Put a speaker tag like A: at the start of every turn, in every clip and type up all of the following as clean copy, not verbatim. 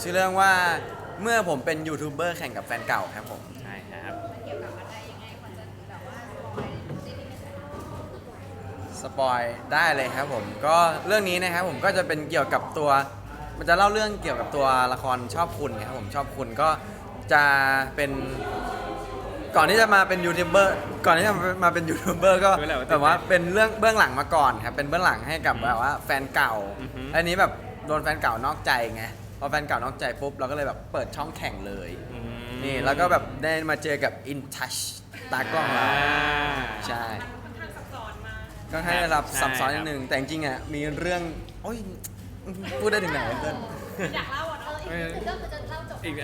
A: ชื่อเรื่องว่าเมื่อผมเป็นยูทูบเบอร์แข่งกับแฟนเก่าครับผม
B: ใช่ครับ
C: เกี่ยวกับอะไรยังไงพอจะแบบว่าสปอยซีรีส์ไหมคะ
A: สปอยได้เลยครับผมก็เรื่องนี้นะครับผมก็จะเป็นเกี่ยวกับตัวมันจะเล่าเรื่องเกี่ยวกับตัวละครชอบคุณครับผมชอบคุณก็จะเป็นก่อนที่จะมาเป็นยูทูบเบอร์ก่อนที่จะมาเป็นยูทูบเบอร์ก็แบบว่าเป็นเรื่องเบื้องหลังมาก่อนครับเป็นเบื้องหลังให้กับแบบว่าแฟนเก่าอันนี้แบบโดนแฟนเก่านอกใจไงพอแฟนเก่านอกใจปุ๊บเราก็เลยแบบเปิดช่องแข่งเลยนี่แล้วก็แบบได้มาเจอกับ In Touch ตากล้องเราใช่
C: ค่อนข้างซับซ้อนมาก
A: ก็ให้ได้รับซับซ้อนนิดนึงแต่จริงๆอ่ะมีเรื่องโอ้ยพูดได้ถึงไหนเพื่อน
C: อยากเล่าอ่ะอีกเรื่องมันจะเล่าจบ
B: อีก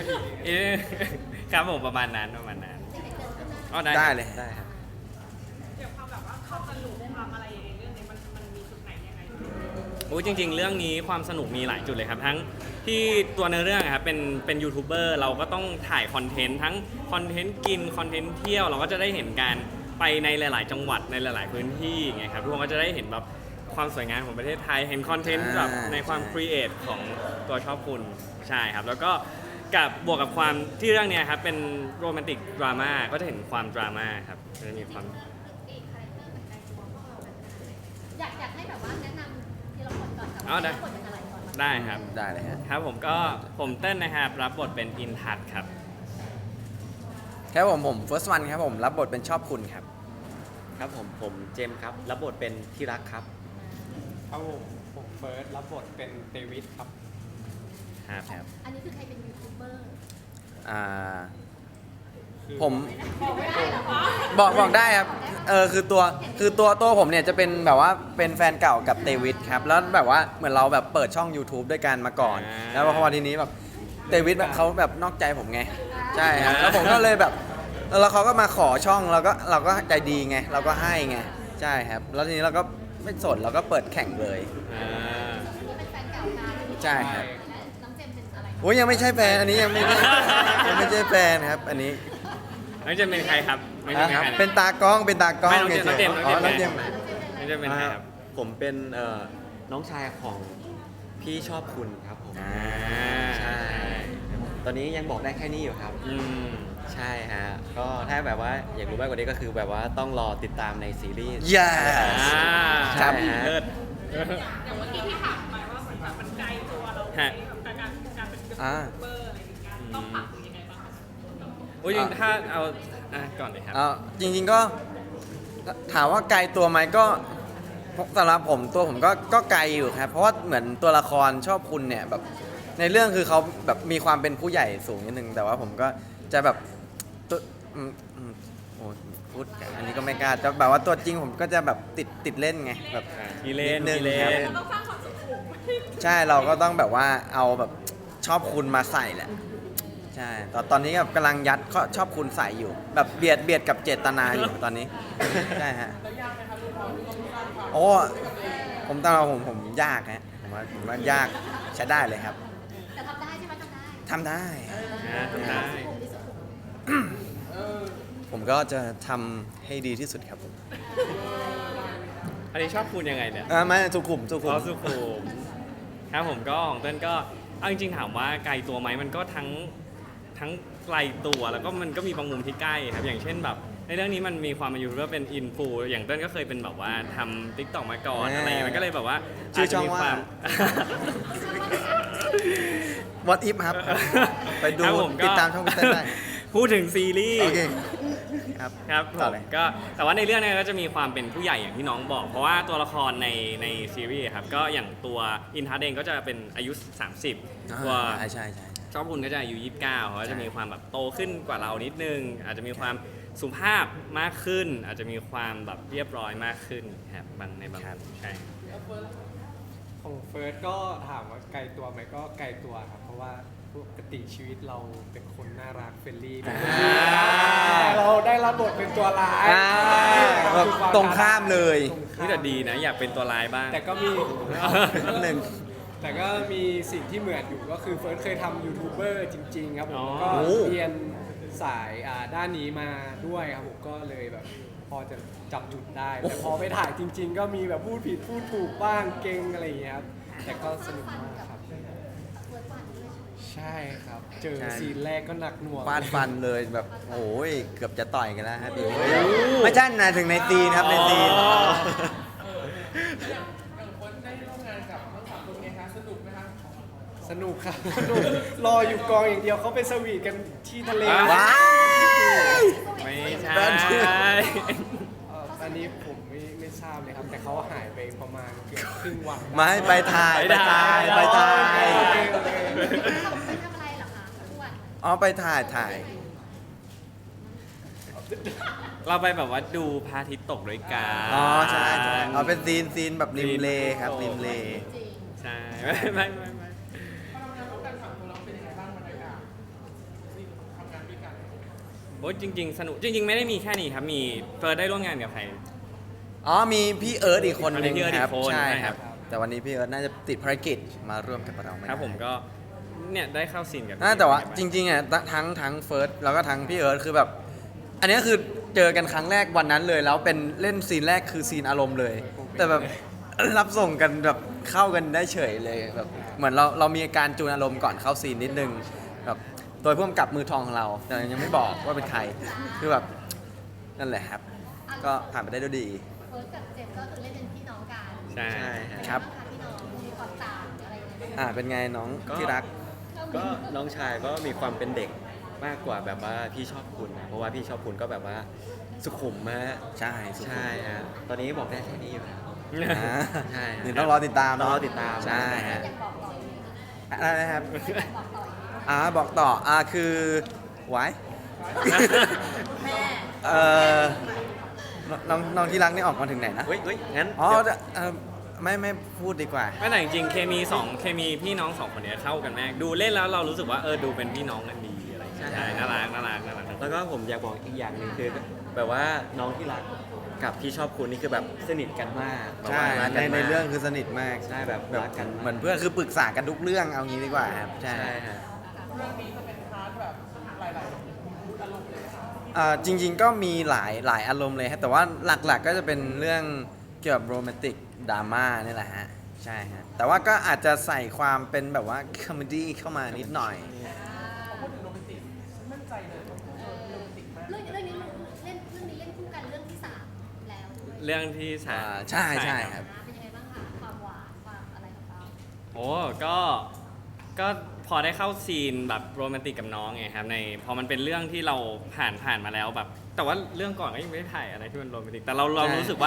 B: ครับผมประมาณนั้นอ๋อ
A: ได้เลยได้ครับ
C: เกี่ยวกับความแบบว่าความสนุกความอะไรในเรื่องนี้มันมีจุดไหนยังไง
B: โอ้ยจริงๆ เรื่องนี้ความสนุกมีหลายจุดเลยครับทั้งที่ตัวเนื้อเรื่องอะครับเป็นยูทูบเบอร์เราก็ต้องถ่ายคอนเทนต์ทั้งคอนเทนต์กินคอนเทนต์เที่ยวเราก็จะได้เห็นการไปในหลาย ๆ จังหวัดในหลาย ๆ พื้นที่ไงครับทุกคนก็จะได้เห็นแบบความสวยงามของประเทศไทยเห็นคอนเทนต์แบบในความครีเอทของตัวชอบคุณใช่ครับแล้วก็กับบวกกับความที่เรื่องเนี้ยครับเป็นโรแมนติกดราม่าก็จะเห็นความดราม่าครับจะมีความ
C: อีกคาแรคเตอร์เหมือนกันตัวพ่ออยากให้แบบว่าแนะนำทีละคนก่อนกับ
B: อ๋อได้
C: คนเป็นอะไรก่อน
B: ได้ครับ
A: ได้เลยฮะ
B: ครับผมก็ผมเต้นนะครับรับบทเป็นอินทัศน์ครับ
A: ครับผม first one ครับผมรับบทเป็นชอบคุณครับ
D: ครับผมเจมส์ครับรับบทเป็นที่รักครับ
E: ครับผมเฟิร์สรับบทเป็นเดวิดครับ
B: ครับ
C: อันนี้คือใครเป็นยูทูบเบอร์
A: อ่า
E: คือ
A: ผม
C: บอกไม่ได้เหรอคะ
A: บอกได้ครับคือตัวผมเนี่ยจะเป็นแบบว่าเป็นแฟนเก่ากับเตวิดครับแล้วแบบว่าเหมือนเราแบบเปิดช่อง YouTube ด้วยกันมาก่อน แล้วพอทีนี้แบบเตวิดแบบเขาแบบนอกใจผมไงใช่ครับแล้วผมก็เลยแบบแล้วเขาก็มาขอช่องเราก็ใจดีไงเราก็ให้ไงใช่ครับแล้วทีนี้เราก็ไม่สนเราก็เปิดแข่งเลย
B: อ่า
C: นี่เป็นแฟนเก่ากัน
A: ใช่ครับ
C: และน้องเจมส์เป็นอะไร
A: โอ้ยยังไม่ใช่แฟนอันนี้ยังไม่ใช่แฟนครับอันนี้
B: น้องเจมส์เป็นใครครับน้องเจมส์เป็นใครนะ
A: เป็นตากล้อง
B: ไม่น้องเจมส์น้องเจมส์
A: อ๋อ
B: น้
A: น้
B: อ
A: อง ง
B: เจ
A: เจ
B: ม
A: ม
B: ส์
A: ส์
B: น้องเจมส์เป็นใครครับ
D: ผมเป็นน้องชายของพี่ชอบคุณครับผม
B: อ่า
D: ใช่ ตอนนี้ยังบอกได้แค่นี้อยู่ครับ
B: อืม
D: ใช่ฮะก็ถ้าแบบว่าอยากรู้มากกว่านี้ก็คือแบบว่าต้องรอติดตามในซีรีส์
A: Yes
B: อ่า
A: ครับ
B: เลิศ
C: อย่างเมื่อกี้ที่ถามไปว่าเหมือนแบบมันไกลตัวเรา
B: ฮะ
C: กับการเป็นยูทูบเบอร์อะไรอย่างเงี้ยต้องปรับตัวยังไงบ้างคะ
B: โอ้ยจริงถ้าเอาก่อนเลยครับ
A: จริงๆก็ถามว่าไกลตัวไหมก็สำหรับผมตัวผมก็ไกลอยู่ครับ เพราะว่าเหมือนตัวละครชอบคุณเนี่ยแบบในเรื่องคือเขาแบบมีความเป็นผู้ใหญ่สูงนิดนึงแต่ว่าผมก็จะแบบตัวโอ้พูดอันนี้ก็ไม่กล้าจะแบบว่าตัวจริงผมก็จะแบบติดเล่นไงแบบ
B: ทีเล่น
A: นิดนึง
B: ทีเล่
A: ครับ
B: น
C: ต้องสร้างความสุขุม
A: ใช่เราก็ต้องแบบว่าเอาแบบชอบคุณมาใส่แหละใช่ตอนนี้แบบกำลังยัดข้อชอบคุณใส่อยู่ แบบเบียดกับเจตนาอยู่ตอนนี้ ใช่ฮะโอ้ผมตอนเราผมยากฮะผมว่ายากใช้ได้เลยครับ
C: แต่ทำได้ใช่ไหมทำได้
A: ทำได้
B: ทำได้
C: สุขุมที่สุด
A: ผมก็จะทำให้ดีที่สุดครับผม
B: อันนี้ชอบคุณยังไงเนี่ย
A: ไม่สุขุม
B: เขาสุขุมครับผมก็ของเต้นก็เอาจริงๆถามว่าไกลตัวไหมมันก็ทั้งไกลตัวแล้วก็มันก็มีบางมุมที่ใกล้ครับอย่างเช่นแบบในเรื่องนี้มันมีความมาอยู่ว่าเป็นอินฟูอย่างเต้นก็เคยเป็นแบบว่าทำติ๊กต็อกมาก่อนอะไรอย่างเงี้ยมันก็เลยแบบว่า
A: ชื่อช่องว่า What if ครับ ไปดู
B: ครับผมก็
A: ติดตามช่องคุณเต้นได้
B: พูดถึงซีรีส์
A: โอเคครับ
B: ครับผ
A: ต่อ
B: ม
A: เลย
B: ก็แต่ว่าในเรื่องเนี้ก็จะมีความเป็นผู้ใหญ่อย่างที่น้องบอก เพราะว่าตัวละครในซีรีส์ครับก็อย่างตัวอินทัศน์เองก็จะเป็นอายุ 30 ตัว
A: ใช่
B: ชอบคุณก็จะอายุ 29เขาก็จะมีความแบบโตขึ้นกว่าเรานิดนึง อาจจะมีความสุภาพมากขึ้น อาจจะมีความแบบเรียบร้อยมากขึ้นครับบางมุมใช่
E: ของเฟิร์สก็ถามว่าไกลตัวไหมก็ไกลตัวครับ เพราะว่าปกติชีวิตเราเป็นคนน่ารักเฟรนลี่เราได้รับบทเป็นตัวร้าย
A: แบบตรงข้ามเลย
B: นี่แต่ดีนะอยากเป็นตัวร้ายบ้าง
E: แต่ก็มี
A: นิดนึง
E: แต่ก็มีสิ่งที่เหมือนอยู่ก็คือเฟิร์สเคยทำยูทูบเบอร์จริงๆครับผมก็
A: โอ้
E: เรียนสายด้านนี้มาด้วยครับผมก็เลยแบบพอจะจับจุดได้ แต่พอไปถ่ายจริง ๆ ก็มีแบบพูดผิดพูดถูกบ้างเก่งอะไรอย่างเงี้ยครับแต่ก็สนุกมากครับ
C: เวิร์ดวันด้วย
E: ใช่ครับ เจอ
A: ใช่
E: ซีนแรกก็หนักหน่วง
A: ฟาดฟันเลยแบบโอ้ยเกือบจะต่อยกันแล้วครับพี่ไม่ใช่นะถึงในซีนครับในซีน
B: อ๋อ
E: สนุกครับสนุกรออยู่กองอย่างเดียวเขาไปสวีทกันที่ทะเล
A: ว้าย
B: ไม่ใช่
E: อันนี้ผมไม่ทราบเลยครับ แต่เขาหายไปประมาณเกือบครึ่งวัน
A: มาให้ไปถ่ายไปถ่ายไปถ่าย
C: ไปทำอะไรเหรอคะทุกวัน
A: อ๋อไปถ่ายถ่าย
B: เราไปแบบว่าดูพระอาทิตย์ตกด้วยกัน
A: อ๋อใช่ใช่เอาเป็นซีนแบบริมเลครับริมเล
C: จริง
B: ใช่ ไม่โอ้ยจริง ๆ สนุกจริง ๆ ไม่ได้มีแค่นี้ครับ มีเฟิร์สได้ร่วมงานกับใคร
A: อ๋อมีพี่เอิร์ธอีกคนนึง
B: มีพี่เอิร์ธ
A: ครับ
B: อีกคน
A: ใช่
B: ใช่
A: ค
B: ครั
A: รับ
B: บ
A: แต่วันนี้พี่เอิร์ธน่าจะติดภารกิจมาร่วมกับเราไม่ได้
B: ครับผมก็เนี่ยได้เข้าซีนกับ
A: แต่ว่า
B: พี่
A: จริงๆอ่ะทั้งเฟิร์สแล้วก็ทั้งพี่เอิร์ธคือแบบ อันนี้คือเจอกันครั้งแรกวันนั้นเลย แล้วเป็นเล่นซีนแรกคือซีนอารมณ์เลย แต่แบบ รับส่งกันแบบเข้ากันได้เฉยเลยแบบเหมือนเรามีอาการจูนอารมณ์ก่อนเข้าซีนนิดนึงแบบโดยพ่วงกับมือทองของเรา แต่ยังไม่บอกว่าเป็นใครคือแบบนั่นแหละครับ ก็ผ่านไปได้ด้วยดี
C: เฟิร์สกับเจมส์ก็คือเล่นเป็นพี่น้องกัน
B: ใช่
D: ใช่ฮะ
A: ครับ
C: พี่น้องมีความต่างอะไรอย่างเงี้ย
A: เป็นไงน้อง
D: ก็
A: ที่รัก
D: ก็น้องชายก็มีความเป็นเด็กมากกว่าแบบว่าพี่ชอบคุณนะเพราะว่าพี่ชอบคุณก็แบบว่าสุขุมมาก
A: ใช่สุด
D: ใช่ฮะตอนนี้บอกได้แค่นี้อยู่ครับ
A: อ่า
D: ใช่ฮะ
A: เดี๋ยวต้องรอติดตาม
D: ต้องรอ
A: เนาะ
D: ติดตาม
A: ใช่ฮะ
C: อยากบอกต่ออีกไหม
A: อะไรนะครับ
C: อยากบอกต่ออีกไหม
A: บอกต่อคือไว้
C: แม่
A: เอ่อน้องที่รักนี่ออกมาถึงไหนนะ
D: เฮ้ยงั้น
A: อ๋อ
D: เดี๋ยว
A: ไม่พูดดีกว่า
B: ไม่แต่จริงๆเคมีพี่น้องสองคนเนี้ยเข้ากันมากดูเล่นแล้วเรารู้สึกว่าดูเป็นพี่น้องกันดีอะไรอย่างเงี้ยใช่น่ารักทั้งคู่
D: แล้วก็ผมอยากบอกอีกอย่างหนึ่งคือแบบว่าน้องที่รักกับที่ชอบคุณนี่คือแบบสนิทกันมากแบบ
A: ใช่
D: ว่ารัก
A: ใน
D: กันมาก
A: เรื่องคือสนิทมาก
D: ใช่แบบ
A: แบบ
D: รักกันมาก
A: เหมือนเพื่อนคือปรึกษากันทุกเรื่องเอางี้ดีกว่าครับใช่
D: ใช่ฮะ
A: จริง ๆ ก็มีหลายอารมณ์เลยครับแต่ว่าหลักๆก็จะเป็นเรื่องเกี่ยวกับโรแมนติกดราม่านี่แหละฮะใช่ฮะแต่ว่าก็อาจจะใส่ความเป็นแบบว่าคอมเมดี้เข้ามานิดหน่อย
C: เรื่องนี้เล่นคู่กันเรื่องที่ 3 แล้ว
B: เรื่องที่สาม
A: ใช่ครับ
C: เป็นยังไงบ้างคะความหวานความอะไรของเรา
B: โอ้ก็พอได้เข้าซีนแบบโรแมนติกกับน้องไงครับในพอมันเป็นเรื่องที่เราผ่านมาแล้วแบบ แต่ว่าเรื่องก่อนก็ยังไม่ได้ถ่ายอะไรที่มันโรแมนติกแต่เรา
A: ใช่
B: รู้สึกว่า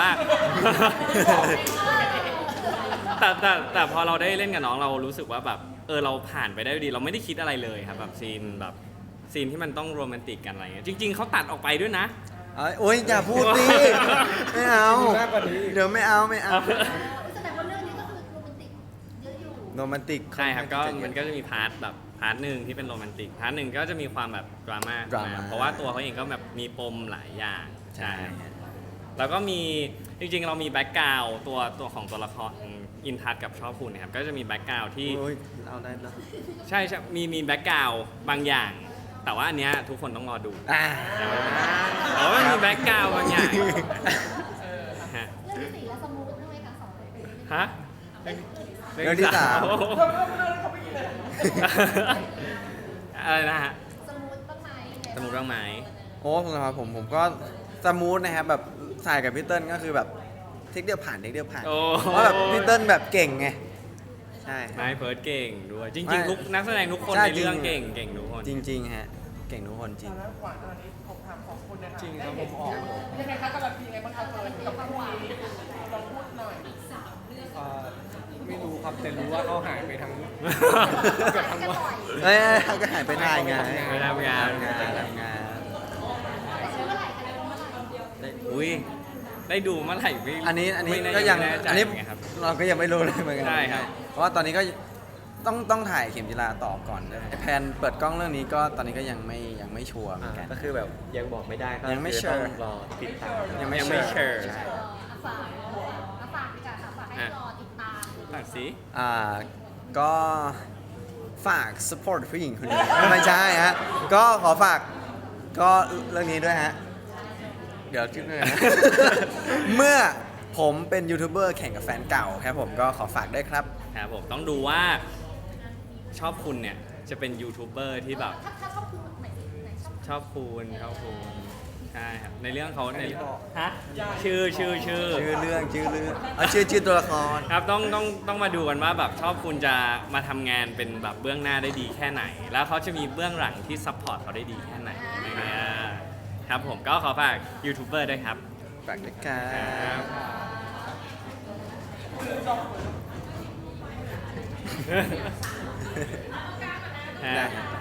B: แต่พอเราได้เล่นกับน้องเรารู้สึกว่าแบบเราผ่านไปได้ด้วยดี เราไม่ได้คิดอะไรเลยครับแบบซีนที่มันต้องโรแมนติกกันอะไรเงี้ยจริง ๆเขาตัดออกไปด้วยนะ
A: โอ๊ยอย่าพูดดิไม่เอา
E: มากกว่านี้
A: เดี๋ยวไม่เอา
C: แสดงว่าเรื่องนี้ก็คือโรแมนติกเยอะอยู่
A: โรแมนติก
B: ใช่ครับก็
A: ค่อข้างจะเยอะ
B: มันก็จะมีพาร์ทหนึ่งที่เป็นโรแมนติกพาร์ทหนึ่งก็จะมีความแบบดราม่า
A: ดราม่า
B: เพราะว่าตัวเขาเองก็แบบมีปมหลายอย่าง
A: ใช่ฮะ
B: แล้วก็มีจริงๆเรามีแบ็กกราวด์ตัวของตัวละครอินทัศกับชอบคุณนะครับก็จะมีแบ็กกราวด์ที่
A: โอ้ยเอาได้แล้ว
B: ใช่มีแบ็กกราวด์บางอย่าง แต่ว่าอันเนี้ยทุกคนต้องรอดูแต่ว่ามีแบ็กกราวด์บางอย่างฮะ
C: เรื่องที่ 4 แล้วสมูทใช่ไหมคะ2คน
B: ฮะ
A: เรื่องที่สาม
B: อะไรนะฮะ
C: สมูทบ้างไหม
B: สมุดบ้างไหม
A: โอ้สำหรับผมก็สมูทนะครับแบบถ่ายกับพี่เติ้ลก็คือแบบเทคเดียวผ่าน
B: โอ้
A: เพราะแบบพี่เติ้ลแบบเก่งไงใช่
B: นายเฟิร์สเก่งด้วยจ
A: ไม่
B: ริงๆทุกนักแสดงทุกคน
A: ใช่
B: ในเรื่อง
A: จริ
B: เก่
A: ง
B: งทุกคน
A: จริงๆฮะเก่งทุกคนจริง
E: จริงครับผมออก
F: ยังไงคะกำลังยังไงบ้างคะเฟิร์นกับความหวานลองพูดหน่อย
E: ไม่รู้ครับแต่รู้ว่าเขาหายไปทั้ง เกือบทั้งวัน
A: เอ้ยก็หายไปถ่ายไง
B: ไปทำงาน
A: ทำงาน
C: ไปซื้อเมื่อไหร่คะเมื่อไหร่
B: อุ้ยได้ดูเมื่อไหร่ไม่
A: อันนี้
B: ไม่แน่
A: ก็ยัง
B: ไม่แน่ใจ
A: อันนี้
B: เหมือนกันครับ
A: เราก็ยังไม่รู้เลยเหมือนกั
B: ใช่ครับ
A: เพราะว่าตอนนี้ก็ต้องถ่ายเข็มจีราต่อก่อนแพลนเปิดกล้องเรื่องนี้ก็ตอนนี้ก็ยังไม่ชัวร์เหมือนกัน
D: ก็คือแบบยังบอกไม่ได้ก็
A: ยังไม่
D: คือ
A: เชื่อ
D: ต้องรอติดตาม
A: ยังไม่
B: ยังไม่เชิญ
A: ใช่
C: ฝากดีกว่าค่ะฝากให้รอติดตาม
B: ฝากสิ
A: ก็ฝาก support ผู้หญิงคนนี้ ไม่ใช่ฮะก็ขอฝากก็เรื่องนี้ด้วยฮะเดี๋ยวคิดหน่อยนะ เมื่อผมเป็นยูทูบเบอร์แข่งกับแฟนเก่าครับผมก็ขอฝากด้วยครับ
B: ครับผมต้องดูว่าชอบคุณเนี่ยจะเป็นยูทูบเบอร์ที่แบบ
C: ถ้าชอบคุณไหนไหนชอบ
B: ชอบคุณใช่ครับในเรื่องเขาใน
E: ไม่บอก
B: ฮะชื่อ
A: ชื่อเรื่องเอาชื่อตัวละคร
B: ครับต้องมาดูกันว่าแบบชอบคุณจะมาทำงานเป็นแบบเบื้องหน้าได้ดีแค่ไหน แล้วเขาจะมีเบื้องหลังที่ซัพพอร์ตเขาได้ดีแค่ไหนครับผมก็ขอฝากยูทูบเบอร์ด้วยครับ
A: ฝากด้วยครั
B: ครับ บ
A: ได้ครับ